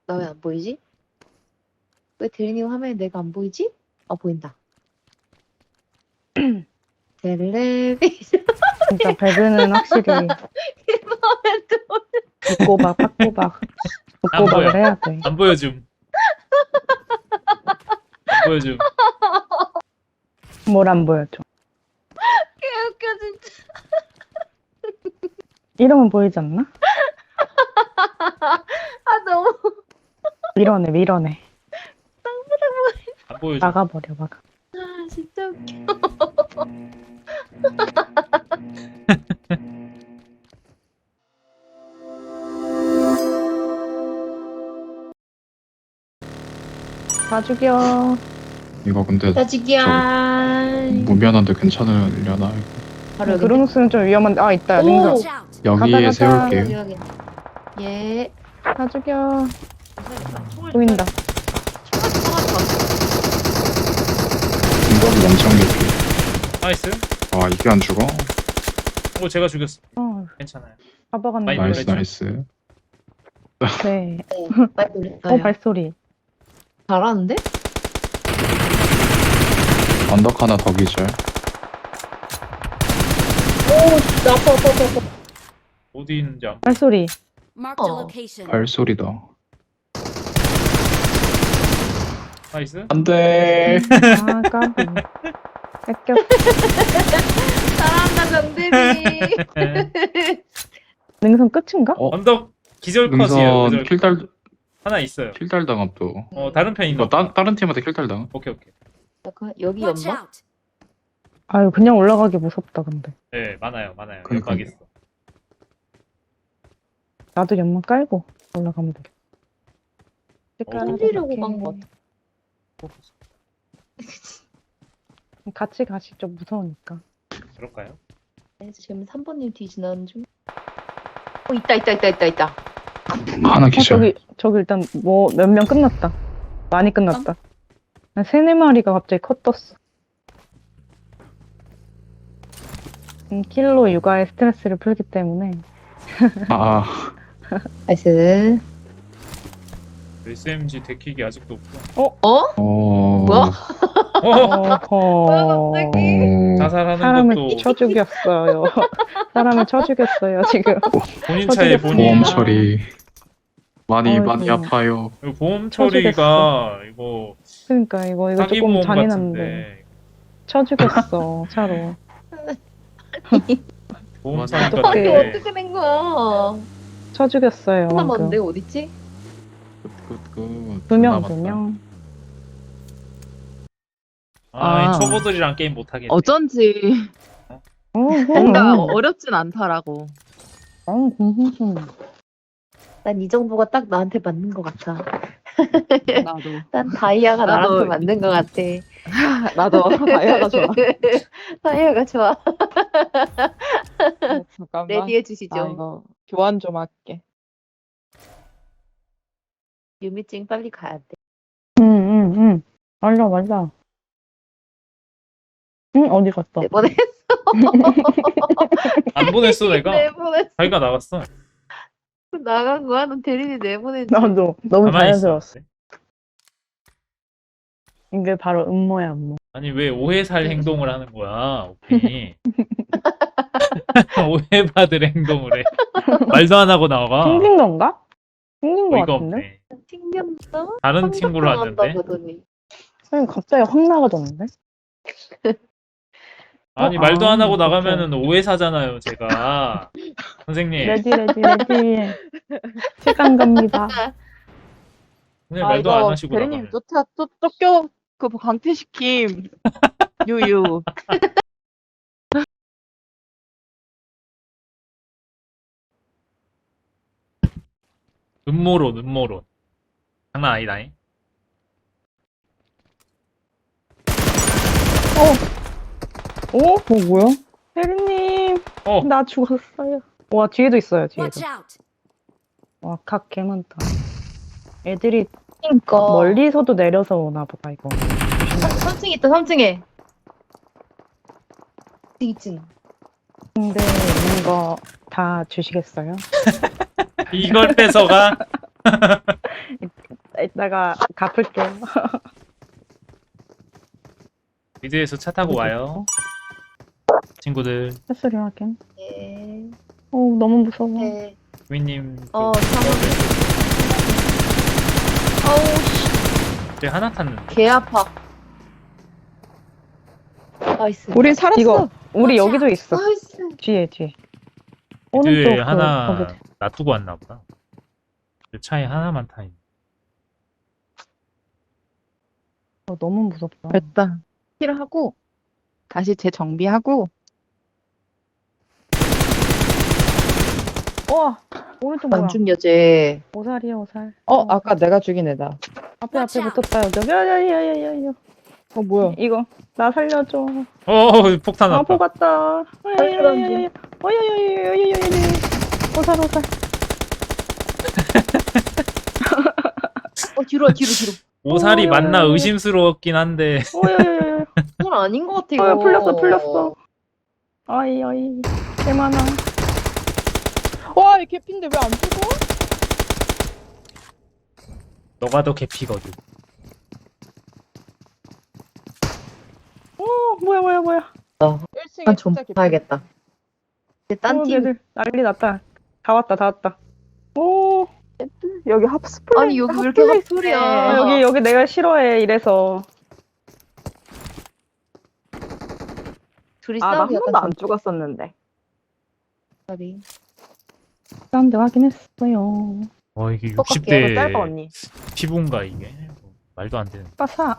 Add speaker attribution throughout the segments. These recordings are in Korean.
Speaker 1: 나 왜 안 보이지? 왜 대리님 화면에 내가 안 보이지? 보인다. 텔레비전.
Speaker 2: 진짜 배그는 확실히 뒷꼬박, 팍꼬박,
Speaker 3: 안 보여.
Speaker 2: 뒷꼬박을 해야 돼.
Speaker 3: 안 보여줌. 안 보여줌.
Speaker 2: 뭘 안 보여줘.
Speaker 1: 개웃겨 진짜.
Speaker 2: 이러면 보이지 않나?
Speaker 1: 너무.
Speaker 2: 밀어내.
Speaker 3: 안 보여줌.
Speaker 2: 막아버려.
Speaker 1: 진짜 웃겨.
Speaker 2: 다 죽여.
Speaker 4: 이거 근데
Speaker 1: 따지기야.
Speaker 4: 무면허인데 괜찮으려나?
Speaker 1: 바로 여기.
Speaker 2: 그루누스는 좀 위험한데. 있다.
Speaker 1: 오!
Speaker 2: 능선.
Speaker 5: Watch out!
Speaker 4: 여기에
Speaker 2: 가자.
Speaker 4: 세울게요.
Speaker 1: 여기. 예.
Speaker 2: 다 죽여.
Speaker 1: 총알
Speaker 2: 보인다.
Speaker 4: 공격이 엄청 깊이.
Speaker 3: 나이스.
Speaker 4: 이게 안 죽어?
Speaker 3: 제가 죽였어. 괜찮아요.
Speaker 2: 잡아갔는데.
Speaker 3: 많이
Speaker 4: 나이스
Speaker 3: 놀랬죠?
Speaker 4: 나이스.
Speaker 2: 네.
Speaker 1: 많이 놀랬어요.
Speaker 2: 발소리.
Speaker 1: 잘하는데?
Speaker 4: 언덕 하나 더 기절.
Speaker 1: 진짜 아파.
Speaker 3: 어디 있는지 안.
Speaker 2: 발소리.
Speaker 5: Marked a
Speaker 1: Oh.
Speaker 5: location.
Speaker 4: 발소리다.
Speaker 3: 나이스.
Speaker 4: 안돼.
Speaker 2: 까비. 뺏겼어.
Speaker 1: 잘한다 정대리.
Speaker 2: 능선 끝인가?
Speaker 3: 언덕 기절컷이에요.
Speaker 4: 능선
Speaker 3: 기절컷. 하나 있어요.
Speaker 4: 킬달 당함 또.
Speaker 3: 다른 편인가?
Speaker 4: 이거 다른 팀한테 킬달 당함?
Speaker 3: 오케이.
Speaker 1: 잠깐 여기
Speaker 5: Watch
Speaker 1: 연막?
Speaker 5: out!
Speaker 2: 아유, 그냥 올라가기 무섭다, 근데.
Speaker 3: 네, 많아요.
Speaker 4: 그러니까요.
Speaker 3: 연막 있어.
Speaker 2: 나도 연막 깔고 올라가면 되겠다.
Speaker 1: 살리려고 간 것 같아.
Speaker 2: 같이 가시 좀 무서우니까.
Speaker 3: 그럴까요?
Speaker 1: 지금 3번님 뒤 지나는 중. 있다.
Speaker 4: 하나 기절.
Speaker 2: 저기 일단 뭐 몇 명 끝났다. 많이 끝났다. 한 3-4마리가 갑자기 컷 떴어. 킬로 육아의 스트레스를 풀기 때문에.
Speaker 1: 나이스.
Speaker 3: SMG 데킥이 아직도 없고.
Speaker 1: 뭐야?
Speaker 2: 어허.
Speaker 1: 갑자기?
Speaker 3: 자살하는
Speaker 2: 사람을
Speaker 3: 것도
Speaker 2: 쳐 죽였어요. 사람을 쳐 죽였어요, 지금.
Speaker 3: 본인 차에
Speaker 2: 쳐주겠습니다.
Speaker 3: 본인.
Speaker 4: 보험 처리. 많이
Speaker 2: 어이구.
Speaker 4: 아파요.
Speaker 3: 이거 보험 처리가 이거
Speaker 2: 그러니까 이거
Speaker 3: 사기
Speaker 2: 조금
Speaker 3: 보험
Speaker 2: 잔인한데.
Speaker 3: 같은데.
Speaker 2: 쳐 죽였어, 차로.
Speaker 3: 보험
Speaker 4: 맞아.
Speaker 3: 사기
Speaker 2: 어떡해.
Speaker 1: 이게
Speaker 3: 같은데.
Speaker 1: 어떻게 된 거야?
Speaker 2: 쳐 죽였어요.
Speaker 1: 하나
Speaker 2: 방금.
Speaker 1: 맞는데 어딨지?
Speaker 4: 끝.
Speaker 2: 2명.
Speaker 3: 이 초보들이랑 게임 못 하겠네.
Speaker 6: 어쩐지 뭔가 어렵진 않더라고.
Speaker 2: 공부좀.
Speaker 1: 난 이 정보가 딱 나한테 맞는 것 같아.
Speaker 6: 나도
Speaker 1: 난 다이아가
Speaker 6: 나도
Speaker 1: 나한테 맞는 것 같아.
Speaker 6: 나도 다이아가 좋아.
Speaker 1: 다이아가 좋아.
Speaker 6: 잠깐만.
Speaker 1: 레디해
Speaker 6: 나
Speaker 1: 주시죠.
Speaker 6: 이거 교환 좀 할게.
Speaker 1: 유미증 빨리 가야 돼.
Speaker 2: 응. 맞아. 응, 어디 갔어?
Speaker 1: 내보냈어.
Speaker 3: 안 보냈어 내가.
Speaker 1: 내보냈어.
Speaker 3: 자기가 나갔어.
Speaker 1: 나간 거야? 넌 대리니 내보냈지.
Speaker 2: 나도. 너무
Speaker 3: 가만히 있어.
Speaker 2: 자연스러웠어. 이게 바로 음모야, 음모.
Speaker 3: 아니 왜 오해살 행동을 하는 거야, 오케이. 오해받을 행동을 해. 말도 안 하고 나가.
Speaker 2: 튕긴 건가? 튕긴 거
Speaker 3: 어이가
Speaker 2: 같은데?
Speaker 3: 없네.
Speaker 1: 튕겼어?
Speaker 3: 다른 친구를 왔는데.
Speaker 1: 보더니.
Speaker 2: 아니, 갑자기 확 나가졌는데?
Speaker 3: 아니
Speaker 2: 어,
Speaker 3: 말도 안 하고
Speaker 2: 그렇죠.
Speaker 3: 나가면은 오해사잖아요, 제가. 선생님.
Speaker 2: 레디. 시간 갑니다.
Speaker 3: 선생님 말도 안 하시고
Speaker 6: 대리님
Speaker 3: 나가면.
Speaker 6: 쫓겨 그 강퇴시킴. 유유.
Speaker 3: 음모론. 장난 아니다잉.
Speaker 2: 뭐야? 혜리님, 나 죽었어요. 와, 뒤에도 있어요, 뒤에도.
Speaker 5: Watch out!
Speaker 2: 와, 각 개 많다. 애들이
Speaker 1: 그러니까.
Speaker 2: 멀리서도 내려서 오나 보다, 이거.
Speaker 1: 3층 있다, 3층에. 2층.
Speaker 2: 근데 이거 다 주시겠어요?
Speaker 3: 이걸 뺏어가?
Speaker 2: 내가 갚을게요.
Speaker 3: 미드에서 차 타고 와요. 친구들.
Speaker 2: 햇소리 확인.
Speaker 1: 네.
Speaker 2: 너무 무서워.
Speaker 1: 네.
Speaker 3: 구이님.
Speaker 1: 상황. 어우, 씨.
Speaker 3: 쟤 하나 탔는데.
Speaker 1: 개 아파. 나이스.
Speaker 6: 우린 살았어.
Speaker 2: 이거 우리 여기도 있어.
Speaker 1: 나이스.
Speaker 2: 뒤에.
Speaker 3: 미드에
Speaker 2: 오른쪽
Speaker 3: 하나
Speaker 2: 거기.
Speaker 3: 놔두고 왔나 보다. 그 차에 하나만 타 있네.
Speaker 2: 너무 무섭다.
Speaker 6: 됐다. 킬하고 다시 재정비하고
Speaker 2: 와 오른쪽 뭐야?
Speaker 1: 안중 여제.
Speaker 2: 오살이야 오살.
Speaker 6: 아까 내가 죽인 애다.
Speaker 2: 앞에 붙었다 여기. 야야야야야.
Speaker 6: 뭐야?
Speaker 2: 이거 나 살려줘.
Speaker 3: 폭탄
Speaker 2: 아
Speaker 3: 왔다.
Speaker 2: 보갔다. 야야야야야. 어야야야야야야. 오살.
Speaker 1: 뒤로.
Speaker 3: 오살이 맞나 의심스러웠긴 한데.
Speaker 2: 어야야야야.
Speaker 1: 그건 아닌 것 같아, 이거.
Speaker 2: 풀렸어. 아이 개 많아.
Speaker 6: 와, 이 개핀데 왜 안 죽어?
Speaker 3: 너가 더 개피거든.
Speaker 2: 뭐야.
Speaker 6: 1층에
Speaker 1: 난 좀
Speaker 6: 진짜 개핀.
Speaker 1: 봐야겠다. 근데 딴 팀.
Speaker 2: 얘들 난리 났다. 다 왔다. 오
Speaker 6: 여기 합스플레이.
Speaker 1: 아니, 여기 왜 이렇게 핫플이야.
Speaker 2: 여기 내가 싫어해 이래서.
Speaker 1: 둘이
Speaker 6: 나 한
Speaker 1: 싸우기
Speaker 6: 번도
Speaker 1: 약간
Speaker 6: 안 죽었었는데.
Speaker 1: 정답이.
Speaker 2: 사운드 확인했어요.
Speaker 3: 이게
Speaker 6: 똑같게 짧아
Speaker 3: 60대
Speaker 6: 언니.
Speaker 3: 피부인가 이게? 말도 안 되는.
Speaker 2: 빠사.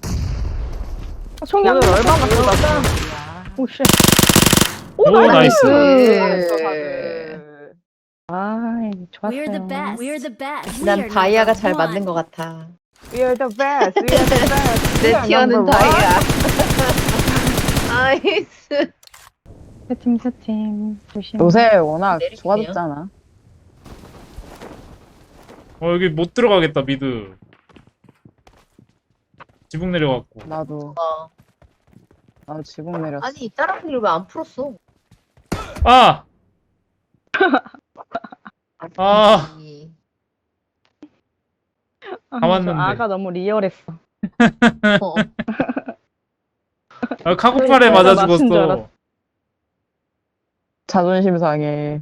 Speaker 2: 총이
Speaker 6: 오늘
Speaker 2: 안
Speaker 6: 얼마나
Speaker 2: 나왔어.
Speaker 6: 쏟았어?
Speaker 2: 오씨.
Speaker 3: 오, 나이스.
Speaker 6: 잘했어, 다들.
Speaker 2: 아이 좋았어요.
Speaker 5: We're the best. We're the best.
Speaker 1: 난
Speaker 5: We are
Speaker 1: 다이아가
Speaker 5: number
Speaker 1: 잘
Speaker 5: one.
Speaker 1: 맞는 것 같아.
Speaker 6: We are the best. We are the best. We
Speaker 1: 내
Speaker 6: are
Speaker 1: 티어는
Speaker 6: number one.
Speaker 1: 다이아. 나이스.
Speaker 2: 세팀 조심.
Speaker 6: 요새 워낙
Speaker 1: 내릴게요.
Speaker 6: 좋아졌잖아.
Speaker 3: 여기 못 들어가겠다 미드. 지붕 내려갔고.
Speaker 6: 나도 지붕 내렸어.
Speaker 1: 아니, 다른 분들 왜 안 풀었어?
Speaker 3: 아! 아.
Speaker 1: 아니,
Speaker 2: 아,
Speaker 3: 다 왔는데.
Speaker 2: 저 아가 너무 리얼했어.
Speaker 3: 카고팔에
Speaker 2: 그래,
Speaker 3: 맞아
Speaker 2: 내가 맞춘 줄
Speaker 3: 죽었어.
Speaker 2: 알았어.
Speaker 6: 자존심 상해.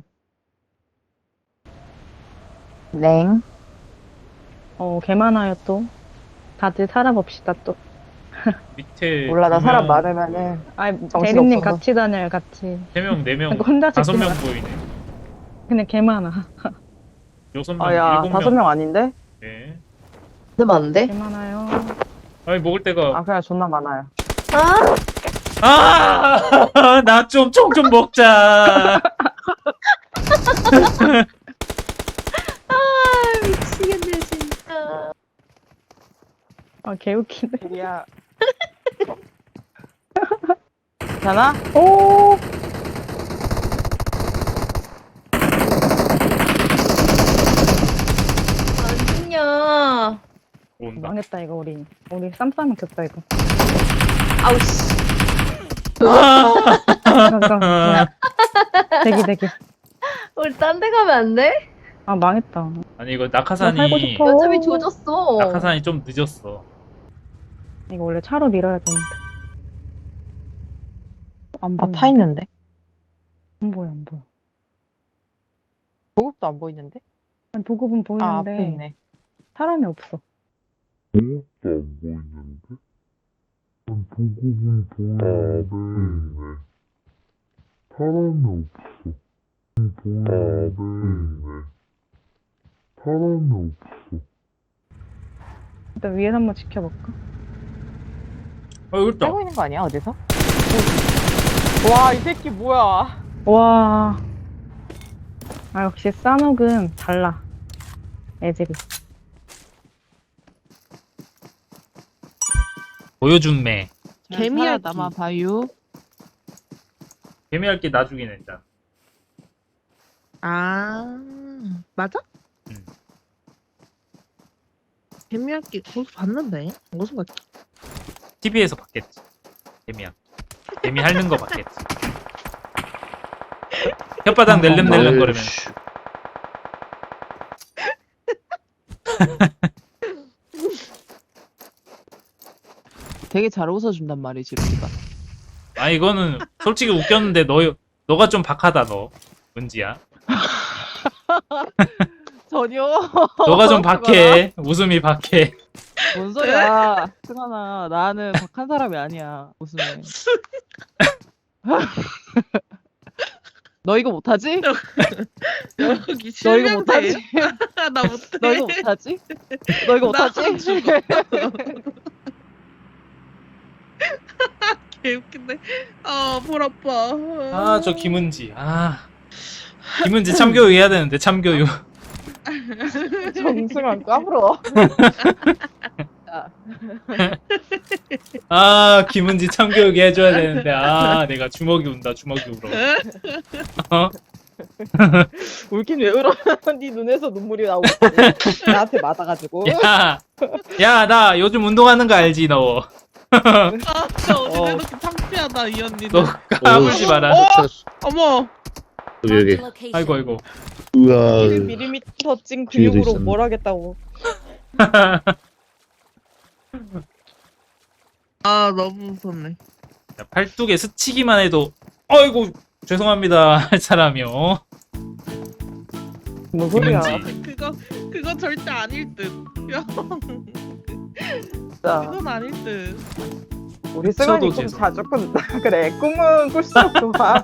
Speaker 6: 랭.
Speaker 2: 개 많아요 또. 다들 살아봅시다 또.
Speaker 3: 밑에
Speaker 6: 몰라, 나
Speaker 3: 두
Speaker 6: 사람
Speaker 3: 명,
Speaker 6: 많으면은
Speaker 2: 아
Speaker 6: 정신
Speaker 2: 대리님
Speaker 6: 없어서.
Speaker 2: 같이 다녀요 같이.
Speaker 3: 3명, 4명,
Speaker 2: 혼자
Speaker 3: 5명
Speaker 2: 찍지
Speaker 3: 보이네.
Speaker 2: 근데 개 많아.
Speaker 3: 6명,
Speaker 6: 야,
Speaker 3: 7명.
Speaker 6: 5명 아닌데?
Speaker 3: 네.
Speaker 1: 근데 많은데?
Speaker 2: 개 많아요.
Speaker 3: 아니 먹을 데가.
Speaker 6: 그냥 존나 많아요.
Speaker 3: 나 좀 총 좀 먹자.
Speaker 1: 미치겠네, 진짜.
Speaker 2: 개 웃기네.
Speaker 6: 야. 괜찮아?
Speaker 2: 오.
Speaker 1: 안 죽냐.
Speaker 3: 온다.
Speaker 2: 망했다 이거 우리 쌈싸면 겼다 이거.
Speaker 1: 아우, 씨.
Speaker 2: 잠깐. 대기.
Speaker 1: 우리 딴 데 가면 안 돼?
Speaker 2: 아 망했다.
Speaker 3: 아니 이거
Speaker 2: 나 살고
Speaker 3: 낙하산이
Speaker 2: 싶어.
Speaker 1: 어차피 조졌어.
Speaker 3: 낙하산이 좀 늦었어.
Speaker 2: 이거 원래 차로 밀어야 되는데. 안 보여.
Speaker 6: 타 있는데?
Speaker 2: 안 보여.
Speaker 6: 보급도 안 보이는데?
Speaker 2: 아니, 보급은 보이는데
Speaker 6: 앞에 있네.
Speaker 2: 사람이 없어.
Speaker 7: 보급도 안 보이는데? 보급은 보이는데 사람이 없어. 보이는데 사람이 없어.
Speaker 2: 일단 위에서 한번 지켜볼까?
Speaker 3: 여기 있다.
Speaker 6: 살고 있는 거 아니야, 어디서? 와, 이 새끼 뭐야.
Speaker 2: 와. 아 역시 싸녹은 달라. 애들이.
Speaker 3: 보여준 매.
Speaker 6: 개미야 남아 봐요.
Speaker 3: 개미할게 나중에 낸다.
Speaker 8: 아, 맞아?
Speaker 3: 응.
Speaker 8: 개미할기 거기서 봤는데? 무슨 거지?
Speaker 3: TV에서 봤겠지. 개미 핥는 거 봤겠지. 혓바닥 낼름낼름 거리면서.
Speaker 6: 되게 잘 웃어준단 말이지 우리가.
Speaker 3: 아 이거는 솔직히 웃겼는데 너가 좀 박하다 너. 은지야.
Speaker 6: 전혀.
Speaker 3: 너가 좀 박해. 웃음이 박해.
Speaker 6: 뭔 소리야. 승환아 나는 박한 사람이 아니야. 웃음에. 너 이거 못하지?
Speaker 8: 여기
Speaker 6: 너 이거 못하지?
Speaker 8: 나 못해.
Speaker 6: 너 이거 못하지? 너 이거
Speaker 8: 나
Speaker 6: 못하지?
Speaker 8: 죽어. 개웃긴데. 볼 아파.
Speaker 3: 아 저 김은지. 김은지 참교육 해야 되는데 참교육.
Speaker 6: 정승환 까불어.
Speaker 3: 김은지 참교육 해줘야 되는데 내가 주먹이 운다 주먹이 울어.
Speaker 6: 울긴 왜 울어? 네 눈에서 눈물이 나오고 나한테 맞아가지고.
Speaker 3: 야 나 요즘 운동하는 거 알지 너.
Speaker 8: 진짜 어제 이렇게 창피하다 이 언니는.
Speaker 3: 너 까불지 마라.
Speaker 8: 어머.
Speaker 7: 여기.
Speaker 3: 아이고.
Speaker 7: 우와.
Speaker 6: 밀리미터 찐
Speaker 7: 뒤에도
Speaker 6: 근육으로
Speaker 7: 있었네.
Speaker 6: 뭘 하겠다고.
Speaker 8: 너무 무섭네.
Speaker 3: 야, 팔뚝에 스치기만 해도 아이고 죄송합니다 할 사람이요.
Speaker 6: 뭔 소리야.
Speaker 3: 김은지.
Speaker 8: 그거 절대 아닐 듯. 야,
Speaker 6: 진짜.
Speaker 8: 그건 아닐 듯.
Speaker 6: 우리 승환이
Speaker 3: 미쳐도
Speaker 6: 꿈
Speaker 3: 죄송.
Speaker 6: 자주 꾼다. 그래 꿈은 꿀수록 좋아.